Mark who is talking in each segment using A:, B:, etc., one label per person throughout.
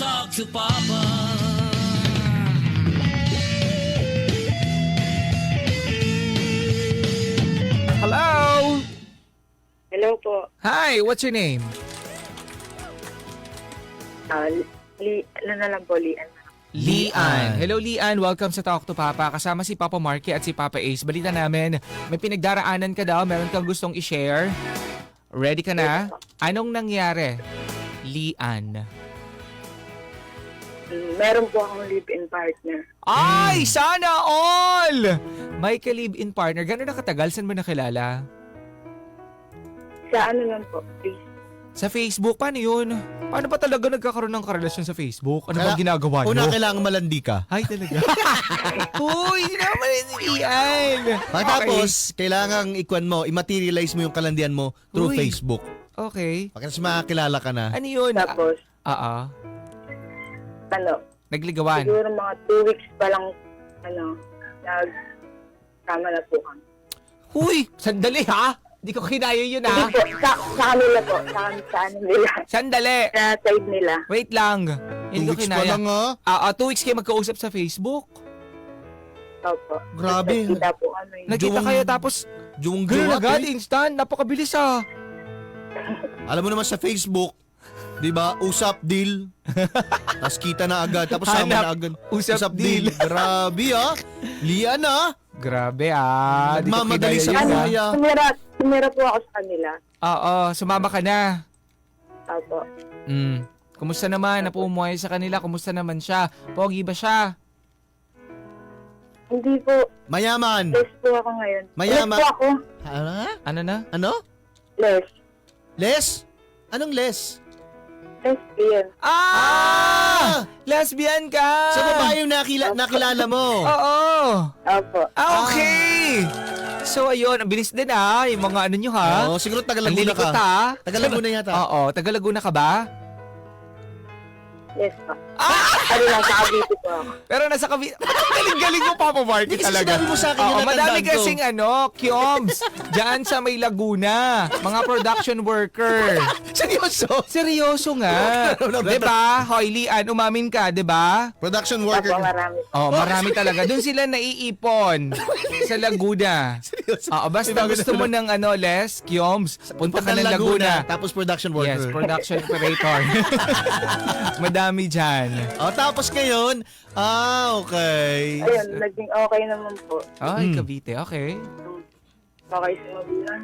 A: talk to Papa.
B: Hello!
C: Hello po.
B: Hi, what's your name?
C: Ano na lang po, Lian.
B: Lian. Hello Lian, welcome sa Talk to Papa. Kasama si Papa Marky at si Papa Ace. Balita namin, may pinagdaraanan ka daw, meron kang gustong i-share. Ready ka na? Anong nangyari? Lian.
C: Meron po akong live-in partner.
B: Ay, sana all! May ka-live-in partner. Gano'n na katagal? Saan mo nakilala?
C: Sa ano lang po, please.
B: Sa Facebook? Paano yun? Paano pa talaga nagkakaroon ng karelasyon sa Facebook? Ano ba ginagawa nyo?
D: Una, kailangan malandi ka.
B: Ay, talaga? Uy, hindi naman si Lian.
D: Tapos, kailangan i-materialize mo yung kalandian mo through
B: Uy.
D: Facebook.
B: Okay.
D: Pagkatapos makakilala ka na.
B: Ano yun?
C: Tapos,
B: Nagligawan.
C: siguro mga 2 weeks pa lang, nagkama na po kami.
B: Huy, sandali ha? Di ko kinaya yun
C: Hindi
B: ha?
C: po, sa kanila po, sa ano nila,
B: Sandali.
C: sa side nila.
B: Wait lang.
D: 2
B: Hindi ko
D: weeks pa
B: kinaya.
D: lang ha.
B: 2 weeks kayo magkausap sa Facebook.
C: Opo.
D: Grabe.
C: Nagkita po kami.
B: Nagkita kayo tapos
D: Juwang
B: gano'n
D: juwa.
B: agad, instant. Napakabilis ah.
D: Alam mo naman sa Facebook, di ba? Usap deal. Tapos kita na agad. Tapos sama
B: Hanap.
D: na agad.
B: Usap deal.
D: Grabe ha. Lian ha.
B: Grabe ah. Di ko
D: Nagmamadali
B: kinaya
D: sa
B: yun
D: buhay
B: ah.
D: ah.
C: Tumira po ako sa kanila.
B: Oo, sumama ka na.
C: Opo.
B: Kumusta naman? Napumuhay sa kanila. Kumusta naman siya? Pogi ba siya?
C: Hindi po,
D: Mayaman.
C: less po ako ngayon.
D: Mayaman.
C: Less po ako.
B: Ano na?
D: Ano?
C: Less.
D: Les? Anong les?
C: Lesbian.
B: Lesbian ka!
D: Sa babae yung nakilala mo.
B: Oo!
C: Opo.
B: Okay! So ayun, ang bilis din yung mga ano nyo ha?
D: Oo, siguro taga
B: Ang
D: Laguna
B: lilikot
D: ka.
B: ha?
D: Taga Laguna yata.
B: Oo, taga Laguna ka ba?
C: Yes po. Ano lang, sa Cavite po ako.
B: Pero nasa Cavite. Galing-galing mo, Papa Marky
D: Kasi
B: talaga.
D: sinabi mo sa akin
B: Oo,
D: yung
B: madami
D: natandaan ko.
B: kasing Kioms. Diyan sa may Laguna. Mga production worker.
D: Seryoso?
B: Seryoso nga. Diba? Hoy, Lian, umamin ka, diba?
D: Production
C: Opo,
D: worker.
C: marami.
B: Oh, marami talaga. Doon sila naiipon sa Laguna.
D: Seryoso?
B: Oo, basta gusto mo ng Les, Kioms, punta ka ng Laguna.
D: Tapos production
B: Yes,
D: worker.
B: production operator. Madami dyan.
D: Tapos ngayon, okay.
C: Ayun, naging okay naman po.
B: Ay, Cavite, okay.
C: Okay sa magulang.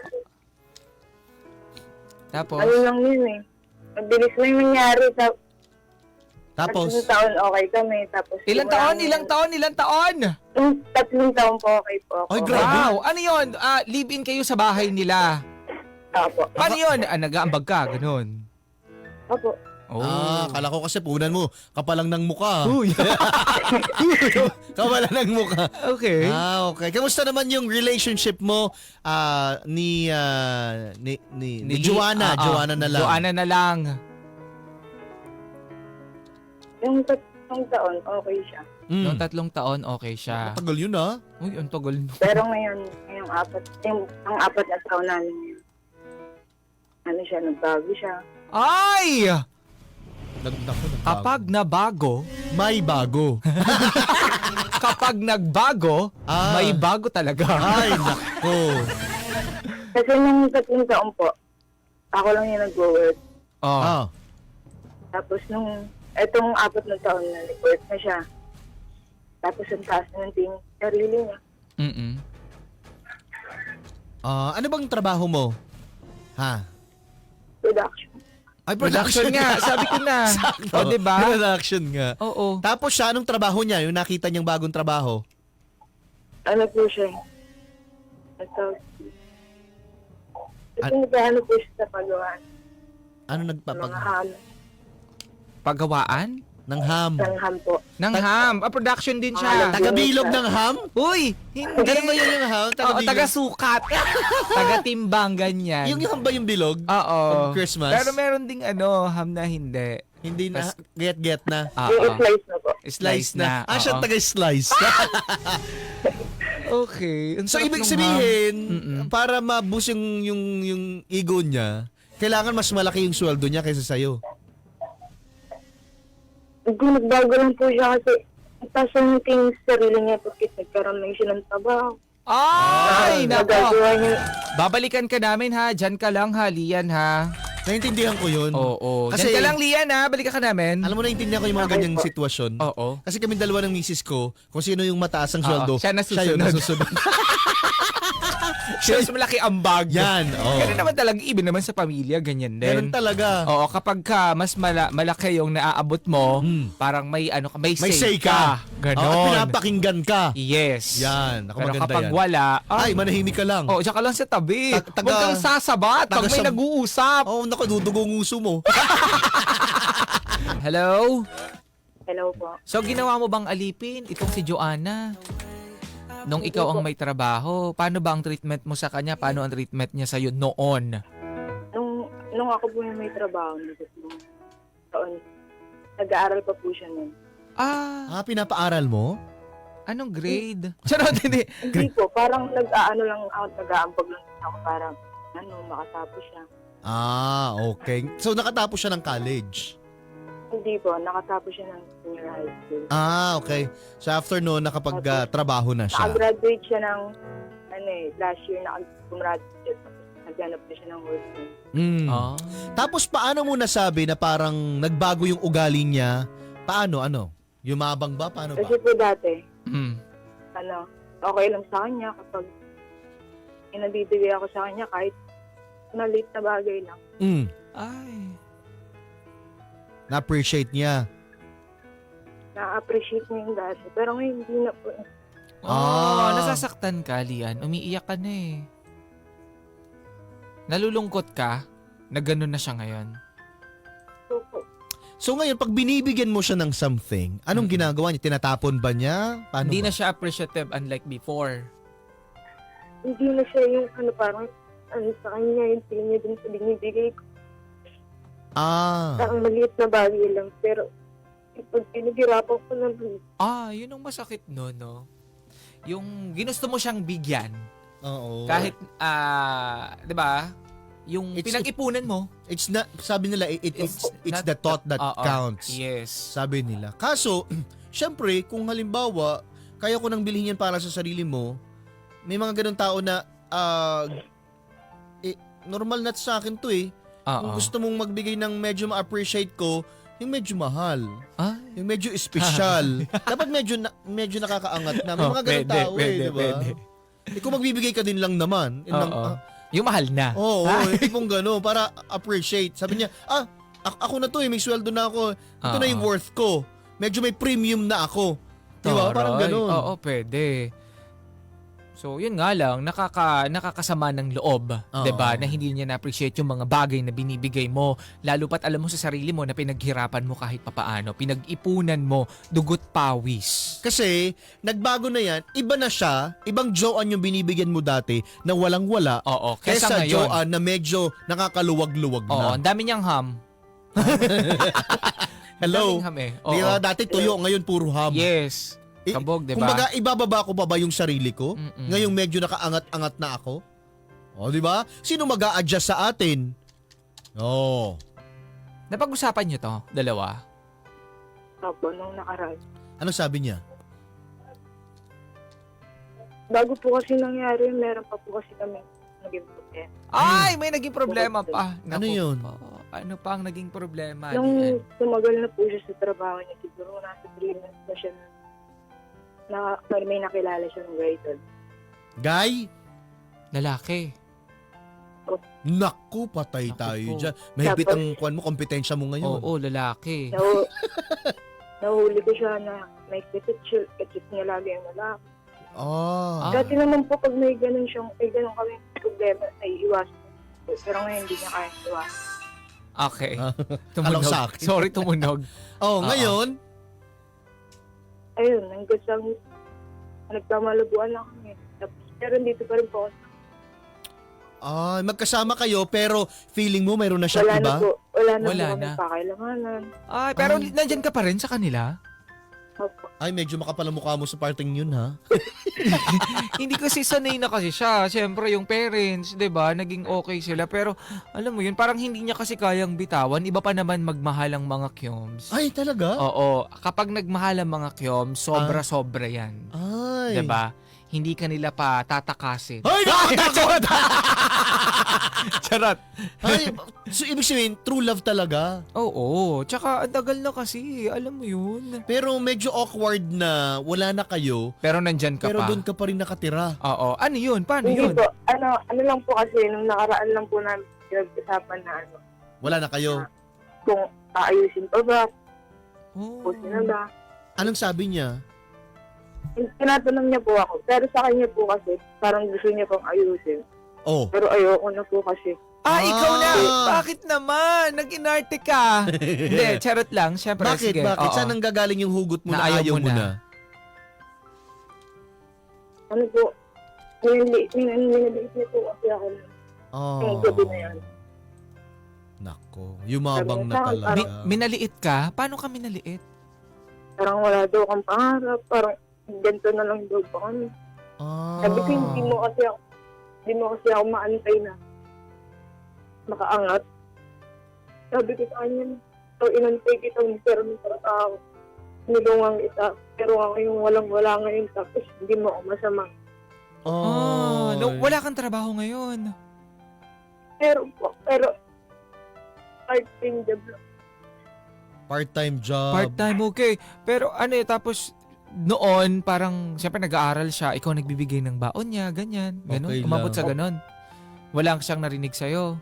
B: Tapos,
C: Ano lang yun eh. Mabilis na yung nangyari.
D: Tapos,
C: Tatlong taon okay kami. Tapos
B: ilang taon?
C: Yung 3 taon po okay po ako.
D: Ay, grabe.
B: Wow, ano yun? Live-in kayo sa bahay nila.
C: Opo.
B: Paano yun? Nag-aambag ka, ganun.
C: Opo.
B: Oh.
D: kala ko kasi punan mo, kapalang ng muka.
B: Uy.
D: Kapalang ng muka.
B: Okay.
D: Okay. Kamusta naman yung relationship mo ni Joanna? Joanna na lang.
B: Joanna na lang.
C: Yung 3 taon okay siya.
B: Noong 3 taon, okay siya.
D: Tagal yun ah.
B: Uy, ang tagal.
C: Pero ngayon, ang 4 na taon namin yun. Ano siya, nagbago siya.
B: Ay!
D: Nagbago.
B: Kapag nabago,
D: May bago.
B: kapag nagbago, may bago talaga.
D: Ay, nako.
C: Kasi nung 3 taon po, ako lang yung nag-work.
B: Oh.
C: Tapos nung, etong 4 na taon na nag-work na siya. Tapos ang taas na yung sarili niya.
D: Ano bang trabaho mo? Ha?
C: Production.
D: Ay,
B: Production nga, sabi ko na. O, diba?
D: Production nga.
B: Oo.
D: Tapos siya, anong trabaho niya? Yung nakita niyang bagong trabaho?
C: Ano po siya? Ano po siya sa pagawaan?
D: Ano
C: Mga
D: nagpapag...
C: ham.
B: Pagawaan?
D: Ng ham?
C: Sangham po.
B: Ng ham. Production din siya.
D: Tagabilog ng ham?
B: Uy, hindi.
D: Ganun ba yun yung ham?
B: Oo,
D: Tagabilog?
B: taga-sukat. Taga-timbang, ganyan.
D: Yung ham ba yung bilog?
B: Oo.
D: Pag Christmas?
B: Pero meron ding ham na hindi.
D: Hindi na, get na.
C: Yung slice na po.
B: Slice na.
D: Siya
B: Oo.
D: taga-slice.
B: Okay. Ang
D: So,
B: sarap
D: ibig
B: nung
D: sabihin,
B: ham.
D: para ma-boost yung ego niya, kailangan mas malaki yung sweldo niya kaysa sa'yo.
C: Nagbago lang po siya kasi itasan yung sarili niya porque nagkaroon lang siya ng trabaho.
B: Ay, nako.
C: Nagagawa niya.
B: Babalikan ka namin ha. Diyan ka lang ha, Lian ha.
D: Naintindihan ko yun.
B: Oo.
D: Kasi-
B: Diyan ka lang, Lian ha. Balikan ka namin.
D: Alam mo, naintindihan ko yung mga
C: Okay
D: ganyang
C: po.
D: sitwasyon.
B: Oo.
D: Kasi kami dalawa ng misis ko, kung sino yung mataas ang sweldo,
B: siya nasusunod.
D: yun nasusunod.
B: Mas malaki ang bag.
D: Yan, oo.
B: Ganun naman talaga, even naman sa pamilya, ganyan din.
D: Ganun talaga.
B: Oo, kapag ka mas malaki yung naaabot mo, parang may may
D: May say ka.
B: Ganon.
D: At pinapakinggan ka.
B: Yes.
D: Yan, ako
B: Pero
D: maganda
B: kapag
D: yan.
B: wala,
D: Ay, manahimik ka lang.
B: oh, diyan ka lang sa tabi.
D: Taga-
B: Huwag kang sasabat pag may
D: taga-
B: nag-uusap.
D: Oh, naku, dudugong uso mo.
B: Hello?
C: Hello po.
B: So, ginawa mo bang alipin itong si Joanna? Nung ikaw ang may trabaho, paano ba ang treatment mo sa kanya? Paano ang treatment niya sa'yo noon?
C: Nung ako po yung may trabaho, nung taon, nag-aaral pa po siya nun.
B: Ah,
D: Pinapaaral mo?
B: anong grade? Charot, hindi.
C: Hindi po, parang nag-aano lang ako, nag-aambag lang ako para makatapos siya.
D: Okay. So, nakatapos siya ng college?
C: Hindi po, nakatapos siya ng senior high school.
D: Okay. So, after noon, nakapag-trabaho na siya.
C: Nakagraduate siya ng, last year, nakagraduate. Naghanap na siya ng work.
B: Ah.
D: Tapos, paano mo nasabi na parang nagbago yung ugali niya? Paano? Yumabang ba? Paano ba?
C: Kasi po dati,
B: Mm.
C: okay lang sa kanya kapag inabibigay ako sa kanya kahit maliit na bagay lang.
B: Ay.
D: Na-appreciate niya.
C: Na-appreciate niya yung dati. Pero ngayon, hindi na po.
B: Nasasaktan ka, Lian. Umiiyak ka na eh. Nalulungkot ka na gano'n na siya ngayon.
C: So, po,
D: So ngayon, pag binibigyan mo siya ng something, anong ginagawa niya? Tinatapon ba niya? Paano
B: Hindi
D: ba?
B: na siya appreciative unlike before.
C: hindi na siya yung parang sa kanya, yung tingin niya din sa binibigay ko. Parang maliit na bagay lang. Pero, pag pinaghirapan ko naman,
B: Yun ang masakit no, no? Yung ginusto mo siyang bigyan,
D: Oo.
B: kahit, di ba? Yung
D: It's-
B: pinag-ipunan mo.
D: It's not, sabi nila, it's
B: not
D: the thought that
B: Oo.
D: counts.
B: Yes.
D: Sabi nila. Kaso, syempre, kung halimbawa, kaya ko nang bilhin yan para sa sarili mo, may mga ganun tao na, normal na sa akin to eh. Kung
B: Oo.
D: gusto mong magbigay ng medyo ma-appreciate ko, yung medyo mahal.
B: Ay.
D: Yung medyo special. Dapat medyo nakakaangat na. May mga ganun tao di ba? Kung magbibigay ka din lang naman.
B: Oo. Yung mahal na.
D: Oo, hindi pong gano'n. Para appreciate. Sabi niya, ako na to eh, may sweldo na ako. Ito na yung worth ko. Medyo may premium na ako. Di ba? Parang
B: Taray.
D: gano'n.
B: Oo, pwede. So, yun nga lang, nakakasama ng loob,
D: Oo.
B: 'di ba? Na hindi niya na-appreciate yung mga bagay na binibigay mo, lalo pat alam mo sa sarili mo na pinaghirapan mo kahit papaano, pinag-ipunan mo, dugot pawis.
D: Kasi, nagbago na yan. Iba na siya. Ibang Joanne yung binibigyan mo dati na walang-wala.
B: Oo,
D: Kesa
B: kesa ngayon.
D: Joanne na medyo nakakaluwag-luwag
B: Oo,
D: na.
B: ang dami niyang ham.
D: Hello?
B: Ang daming ham eh. Oo.
D: Di ba? Dati tuyo, ngayon puro ham.
B: Yes. Kabog, 'di ba?
D: Kumbaga, ibababa ko pa ba yung sarili ko?
B: Mm-mm.
D: Ngayong medyo nakaangat-angat na ako? O, di ba? Sino mag-a-adjust sa atin? Oo.
B: Napag-usapan niyo 'to, dalawa?
C: Opo, nung nakaraan.
D: Ano sabi niya?
C: Bago po kasi nangyari, meron pa po kasi kami naging problema.
B: Ay, may naging problema pa.
D: Ano
B: Naku
D: yun?
B: po. Ano pa ang naging problema?
C: Nung tumagal na po siya sa trabaho niya, siguro nasa 3 months na siya na may nakilala siya ng guy doon.
D: Guy?
B: Lalaki.
D: Naku, patay
B: Naku
D: tayo
B: po.
D: dyan. Mahigpit
C: Tapos-
D: ang kuwan mo, kompetensya mo ngayon.
B: Oo, lalaki.
C: Nahuli ko siya na may kitsit niya lagi yung lalaki. Dati naman po pag may ganun kami problema, ay iwasan. Pero ngayon hindi niya kaya iwasan.
B: Okay.
D: Alam sa akin.
B: Sorry, tumunog.
D: Ngayon,
C: Ayun, hanggang sa nagkamalabuan lang kami. Tapos, pero dito pa rin po ako.
D: magkasama kayo pero feeling mo mayroon na siyang
C: Wala
D: iba?
C: na po. Wala na
B: Wala
C: po kami
B: na.
C: pakailanganan.
B: Ay, pero nandyan ka pa rin sa kanila?
C: Opo.
D: Ay, medyo makapal ang mukha mo sa parting yun, ha?
B: Hindi kasi sanay na kasi siya. Siyempre, yung parents, 'di ba, naging okay sila. Pero, alam mo yun, parang hindi niya kasi kayang bitawan. Iba pa naman magmahal ang mga kyoms.
D: Ay, talaga?
B: Oo. Kapag nagmahal ang mga kyoms, sobra-sobra yan.
D: Ay.
B: 'Di ba? Hindi ka nila pa tatakasin.
D: Ay, nakakatakot!
B: Charot.
D: Ay, so ibig sabihin, true love talaga.
B: Oo. Tsaka, ang tagal na kasi. Alam mo yun.
D: Pero medyo awkward na wala na kayo,
B: Pero nandyan ka
D: pero
B: pa.
D: doon ka pa rin nakatira.
B: Oo. Ano yun? Paano
C: Hindi
B: yun?
C: po, ano lang po kasi, nung nakaraan lang po namin pinag-usapan na
D: Wala na kayo.
C: kung aayusin pa ba,
B: Oh.
C: pusin na ba.
D: Anong sabi niya?
C: Tinatanong niya po ako, pero sa kanya po kasi, parang gusto niya pong ayusin.
D: Oh.
C: Pero ayoko na po kasi.
B: Ikaw na!
D: Ah.
B: Bakit naman? Nag-inarte ka. Hindi, charot lang. Siyempre,
D: Bakit?
B: sige.
D: Bakit?
B: Oo.
D: Saan ang gagaling yung hugot mo
B: Na
D: na ayaw
B: ayaw mo
D: mo
B: na?
D: na?
C: Ano po, minaliit niya po kasi ako
D: Oh.
C: yung gabi na yan.
D: Nako, yumabang na
C: Sabi niya,
D: talaga.
B: Minaliit ka? Paano ka minaliit?
C: Parang wala daw kang pangarap, parang ganito na lang daw po kami.
D: Ah.
C: Sabi ko, hindi mo kasi ako maantay na makaangat. Sabi ko sa kanya, so inantay kita, pero para ako, nilungang kita, pero ngayon walang-wala ngayon, tapos hindi mo ako masama.
D: Oh.
B: Wala kang trabaho ngayon.
C: Pero part-time job lang.
D: Part-time job.
B: Part-time, okay. Pero ano tapos noon, parang, siyempre nag-aaral siya, ikaw nagbibigay ng baon niya, ganyan. Ganon.
D: Okay
B: Umabot
D: lang.
B: sa ganon. Wala siyang narinig sa'yo.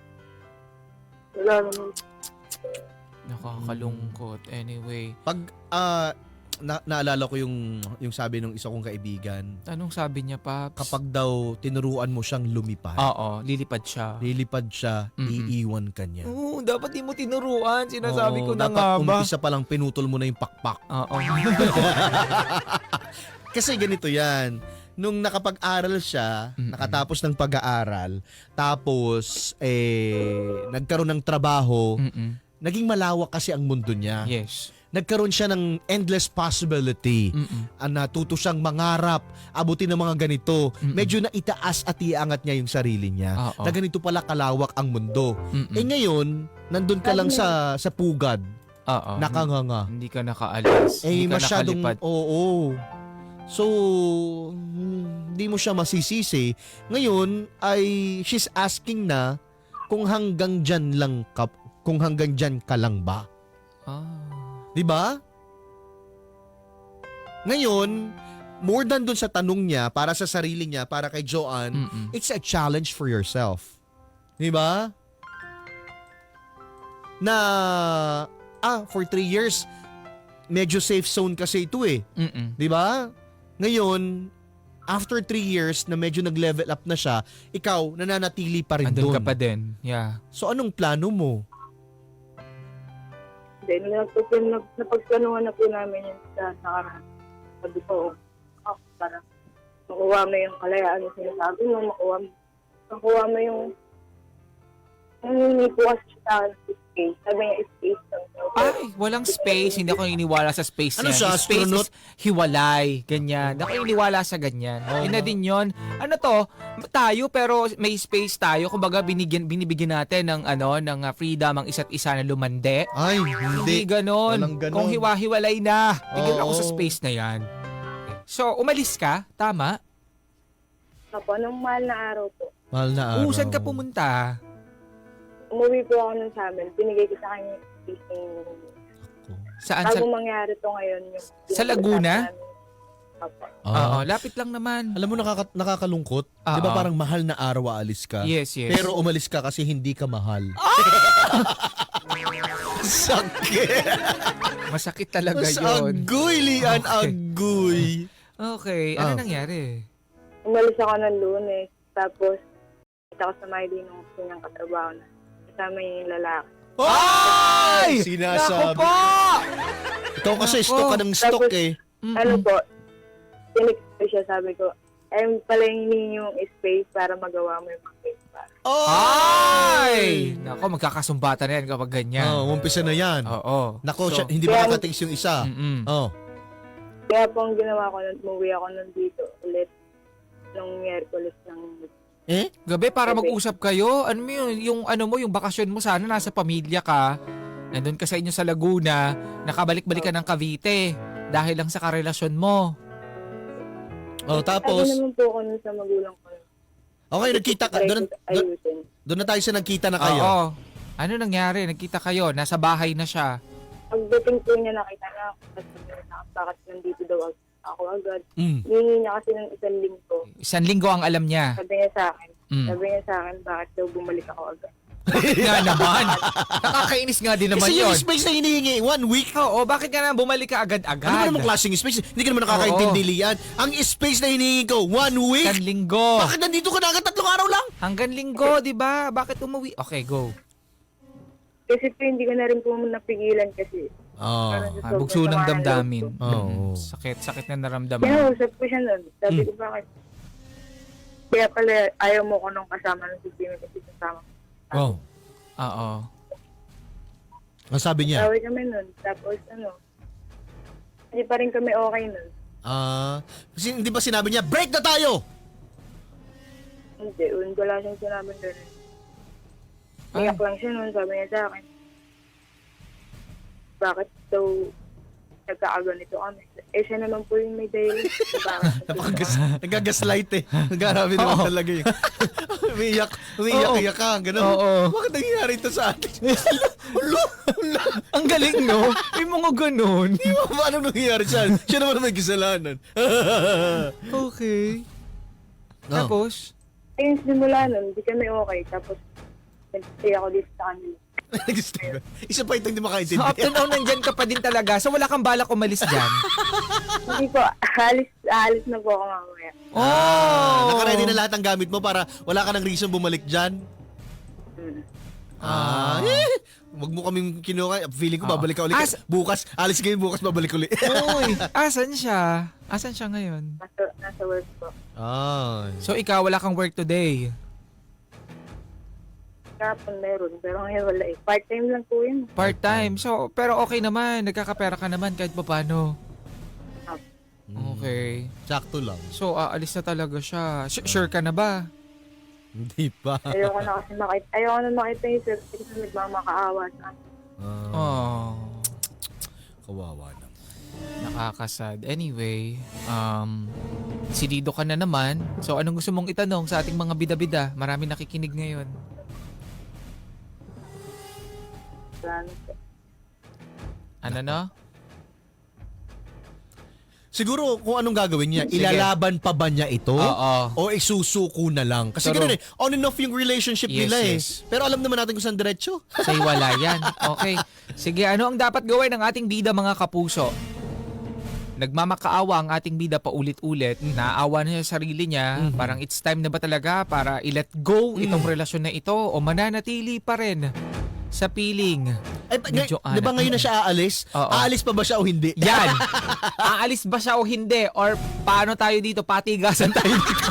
C: Wala naman.
B: Nakakalungkot. Anyway,
D: Pag naalala ko yung sabi ng isa kong kaibigan,
B: anong sabi niya, Paps?
D: kapag daw tinuruan mo siyang lumipad,
B: Oo, lilipad siya.
D: lilipad siya,
B: Mm-mm.
D: iiwan ka niya.
B: Oo, dapat di mo tinuruan. Sinasabi ko
D: Oo,
B: na
D: dapat
B: nga ba?
D: umpisa pa lang pinutol mo na yung pakpak.
B: Oo.
D: Kasi ganito yan. Nung nakapag-aral siya,
B: Mm-mm.
D: nakatapos ng pag-aaral, tapos nagkaroon ng trabaho,
B: Mm-mm.
D: naging malawak kasi ang mundo niya.
B: Yes.
D: Nagkaroon siya ng endless possibility.
B: Mm-mm.
D: Natuto siyang mangarap, abutin ng mga ganito.
B: Mm-mm.
D: Medyo na itaas at iangat niya yung sarili niya.
B: Oo.
D: Na ganito pala kalawak ang mundo.
B: Mm-mm.
D: Ngayon, nandun ka lang sa pugad,
B: Oo.
D: nakanganga.
B: Hindi ka nakaalis. Hindi ka
D: Masyadong,
B: nakalipad.
D: oo. So, hindi mo siya masisisi. Ngayon, she's asking na kung hanggang dyan ka lang ba?
B: Ah.
D: 'Di ba? Ngayon, more than dun sa tanong niya, para sa sarili niya, para kay Joanne,
B: Mm-mm.
D: it's a challenge for yourself. 'Di ba? Na, for 3 years, medyo safe zone kasi ito eh.
B: Mm-mm.
D: 'Di ba? Ngayon, after 3 years na medyo nag-level up na siya, ikaw, nananatili pa rin
B: Andun
D: doon.
B: ka pa din. Yeah.
D: So, anong plano mo?
C: Then, napagplanuhan na po namin yun sa nakaraan. Sabi ko, para makuha mo yung kalayaan na sinasabi mo, makuha mo yung hindi po kasi sa space. Sabi niya, space lang.
B: Ay, walang space. Hindi ako iniwala sa space
D: Ano
B: niya.
D: siya,
B: Space
D: astronaut?
B: is hiwalay. Ganyan. Ako iniwala sa ganyan. Yun na din yun. Ano to? Tayo pero may space tayo. Kumbaga binibigyan natin ng freedom ang isa't isa na lumande.
D: Ay,
B: Hindi
D: hindi.
B: ganon.
D: Walang ganon.
B: Kung hiwa-hiwalay na. Tigil ako sa
D: Oo.
B: space na yan. So, umalis ka? Tama?
C: Apo, nung mahal na araw po,
D: Mahal na araw.
B: Saan ka pumunta?
C: umuwi po ako nun sa amin. Binigay ko sa kanya yung space ng
B: Saan?
C: bago mangyari to ngayon. Yung
B: Sa Laguna?
C: Apo.
B: Oo, lapit lang naman.
D: Alam mo, nakakalungkot. Di ba
B: Oo.
D: parang mahal na araw aalis ka?
B: Yes, yes.
D: Pero umalis ka kasi hindi ka mahal. Sakit!
B: Masakit talaga
D: Mas
B: yun.
D: agoy, Lian,
B: Okay.
D: agoy.
B: Okay, ano
D: Ah.
B: nangyari?
C: Umalis ako ng Lunes. Tapos, kita ko sa Miley nung kanyang katrabaho na. Kasama yung lalaki.
B: Ay!
D: Sinasabi.
B: Naku po!
D: Ikaw kasi
B: Naku.
D: stock ka ng stock
C: Tapos,
D: eh.
B: Mm-mm.
C: Ano po, tinik ko siya, sabi ko, pala yung space para magawa mo yung mga space para.
B: Ay! Nako, magkakasumbatan na yan kapag ganyan.
D: Oh, umpisa na yan.
B: Oo.
D: Nako,
B: So,
D: hindi
C: Kaya-
D: makakatings yung isa.
B: mm-mm.
D: Oh.
C: Kaya po ang ginawa ko, umuwi ako nandito ulit nung Miyerkules ng
B: Gabi para mag-usap kayo. Ano mo yung yung bakasyon mo sana nasa pamilya ka. Nandun ka sa inyo sa Laguna, nakabalik-balik ka ng Cavite dahil lang sa karelasyon mo.
D: Oh, tapos,
C: Sabi naman po ako nun sa magulang ko.
D: okay, nagkita ka.
C: Ayusin.
D: Doon na tayo sa nagkita na kayo.
B: Oo. Ano nangyari? Nagkita kayo, nasa bahay na siya.
C: Pagdating po niya, nakita na ako. Tapos sabi niya, bakit nandito daw ako agad. Hihingi niya kasi ng 1 linggo.
B: 1 linggo ang alam niya.
C: Sabi niya sa akin,
B: Mm.
C: bakit daw bumalik ako agad.
B: Nga naman. Nakakainis nga din naman
D: Kasi
B: yun.
D: yung space na hinihingi, 1 week.
B: Oo, bakit ka na bumalik ka agad-agad?
D: Ano ba namang klaseng space? Hindi ka naman nakakaintindi, Lian. Ang space na hinihingi ko, 1 week?
B: 1 linggo.
D: Bakit nandito ka na agad 3 araw lang?
B: Hanggang linggo, di ba? Bakit umuwi? Okay, go.
C: Kasi po hindi ko na rin po napigilan kasi.
D: Oh.
C: Parang sa sobrang
B: Bugso ng
C: sama loob
B: damdamin.
C: ko.
D: Oo.
B: Sakit na naramdaman.
C: Kinausap ko siya nun. Sabi ko, bakit? Kaya pala ayaw mo ko nung kasama ng sistema kasi kasama.
D: Oh.
B: Oo.
D: Ang sabi niya?
C: Tawag kami nun. Tapos hindi pa rin kami okay nun.
D: Kasi hindi ba sinabi niya, break na tayo?
C: Hindi, wala siyang sinabi doon. Iyak lang siya nun, sabi niya sa akin. Bakit daw nagkakaganito kami? Siya naman po yung may dahilan.
D: Nagagaslight eh. Nagarabi naman talaga yun. Umiiyak ka, gano'n.
B: Oo.
D: Bakit nangyayari ito sa atin?
B: Ang galing, no? May mga ganun.
D: Di ba paano nangyayari siya? Siya naman may kasalanan.
B: Okay. Tapos?
C: Ayun, simula nun, hindi kami okay. Tapos, nag-stay ako dito sa kanila.
D: Isa pa itong di
B: So, up
D: makaintindi.
B: to now, nandyan ka pa din talaga. So, wala kang balak umalis dyan.
C: Hindi po, alis na po ako mamaya.
B: Oh!
D: Nakaready na lahat ng gamit mo para wala ka ng reason bumalik dyan. Wag mo kaming kinuha. Feeling ko babalik ka ulit. Bukas, alis kayo bukas, babalik ulit.
B: Uy, asan siya? Asan siya ngayon?
C: Nasa work po.
B: So, ikaw, wala kang work today.
C: Kapon meron, pero ngayon wala eh. Part-time lang po yun.
B: Part-time. So, pero okay naman. Nagkakapera ka naman kahit paano. Okay.
D: Sakto lang.
B: So, aalis na talaga siya. Sure ka na ba?
D: Hindi pa.
C: Ayoko na kasi makita yung sir kasi nagmamakaawa sa akin.
B: Oh.
D: Kawawa na.
B: Nakakasad. Anyway, silido ka na naman. So, anong gusto mong itanong sa ating mga bida-bida? Marami nakikinig ngayon. Ano na?
D: Siguro kung anong gagawin niya,
B: Sige.
D: ilalaban pa ba niya ito?
B: Oo.
D: O isusuko na lang? Kasi
B: Pero-
D: ganoon on and off yung relationship
B: Yes,
D: nila eh.
B: yes.
D: Pero alam naman natin kung saan diretso.
B: Sa hiwalayan. Okay. Sige, ano ang dapat gawin ng ating bida mga kapuso? Nagmamakaawa ang ating bida paulit-ulit. Naawa na siya sa sarili niya. Parang it's time na ba talaga para i-let go itong relasyon na ito o mananatili pa rin sa piling.
D: Ay,
B: Medyo
D: di ba ngayon na siya aalis?
B: Oo.
D: Aalis pa ba siya o hindi?
B: Yan! Aalis ba siya o hindi? Or paano tayo dito? Patigasan tayo dito.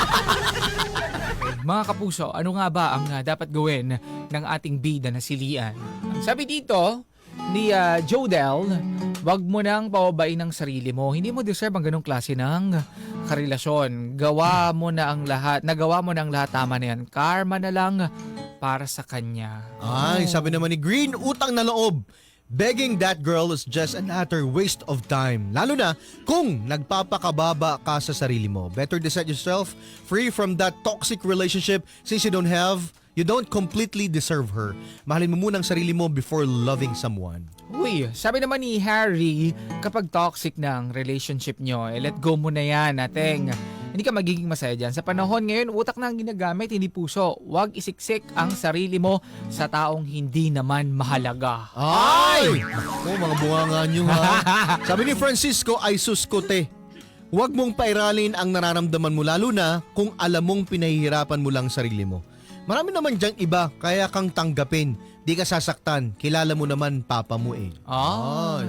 B: Mga kapuso, ano nga ba ang dapat gawin ng ating bida na si Lian? Sabi dito ni Jodel, wag mo nang pababain ang sarili mo. Hindi mo deserve ang ganong klase ng karelasyon. Nagawa mo na ang lahat. Tama na yan. Karma na lang para sa kanya.
D: Ay, sabi naman ni Green, utang na loob. Begging that girl is just an utter waste of time. Lalo na kung nagpapakababa ka sa sarili mo. Better to set yourself free from that toxic relationship since you don't completely deserve her. Mahalin mo muna ang sarili mo before loving someone.
B: Uy, sabi naman ni Harry, kapag toxic na ang relationship nyo, let go mo na yan, ateng. Hindi ka magiging masaya dyan. Sa panahon ngayon, utak na ang ginagamit, hindi puso. Huwag isiksik ang sarili mo sa taong hindi naman mahalaga.
D: Ay! Oh, mga bunganga nyo ha. Sabi ni Francisco, ay suskote. Huwag mong pairalin ang nararamdaman mo lalo na kung alam mong pinahihirapan mo lang sarili mo. Marami naman dyang iba, kaya kang tanggapin. Di ka sasaktan, kilala mo naman papa mo eh. Ay.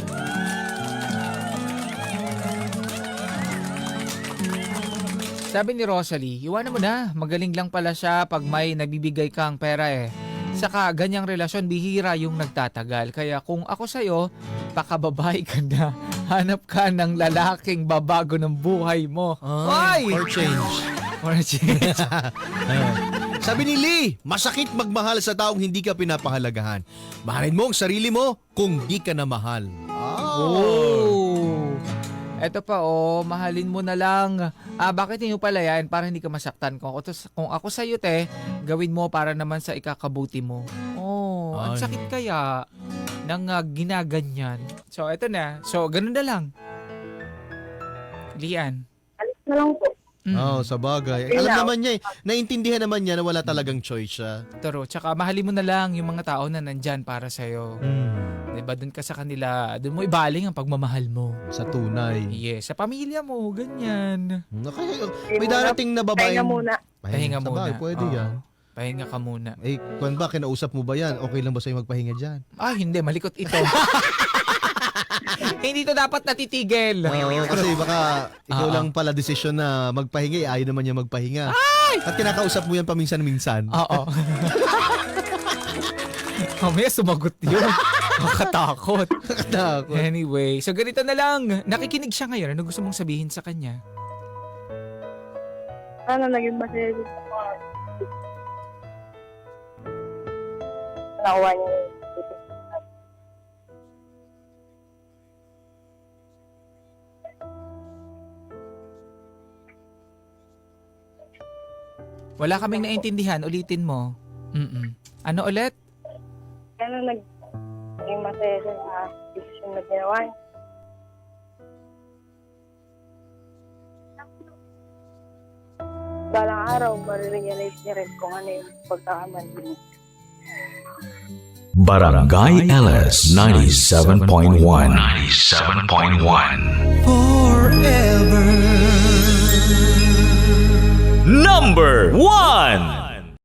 B: Sabi ni Rosalie, iwanan mo na. Magaling lang pala siya pag may nagbibigay kang pera eh. Saka ganyang relasyon, bihira yung nagtatagal. Kaya kung ako sa'yo, pakababay ka na. Hanap ka ng lalaking babago ng buhay mo.
D: Ay,
B: Ay!
D: for change.
B: For a change.
D: Sabi ni Lee, masakit magmahal sa taong hindi ka pinapahalagahan. Mahalin mo ang sarili mo kung di ka na mahal.
B: Oh. Eto pa mahalin mo na lang. Bakit niyo pala yan? Para hindi ka masaktan. Kung ako sa'yo, te, gawin mo para naman sa ikakabuti mo. Ang
D: Ay.
B: sakit kaya ng ginaganyan. So, eto na. So, ganun na lang. Lian.
C: Alis na lang po.
D: Sa bagay. Alam naman niya naiintindihan naman niya na wala talagang choice siya.
B: Toro. Tsaka mahalin mo na lang yung mga tao na nandyan para sa'yo. Diba? Doon ka sa kanila. Doon mo ibaling ang pagmamahal mo.
D: Sa tunay.
B: Yes. Sa pamilya mo. Ganyan.
D: May darating na babae.
C: Pahinga muna.
B: Pahinga
D: Sa
B: muna.
D: bagay, pwede
B: Oo.
D: yan.
B: Pahinga ka muna.
D: Kung ba, kinausap mo ba yan? Okay lang ba sa'yo magpahinga dyan?
B: Hindi. Malikot ito. Hindi to dapat natitigil.
D: Oo, kasi baka ikaw lang pala desisyon na magpahinga, ayaw naman niya magpahinga. At kinakausap mo yan paminsan-minsan.
B: Oo. Mamaya sumagot yun. Makatakot. Anyway, so ganito na lang. Nakikinig siya ngayon. Ano gusto mong sabihin sa kanya?
C: Sana naging masaya din sa mga nakuha niya yung
B: Wala kaming naintindihan. Ulitin mo. Ano ulit?
C: Sana naging masaya siya sa decision na ginawa niya. Balang araw, marirealize niya rin kung ano yung pagkakamali niya.
A: Barangay LS 97.1 Forever Number 1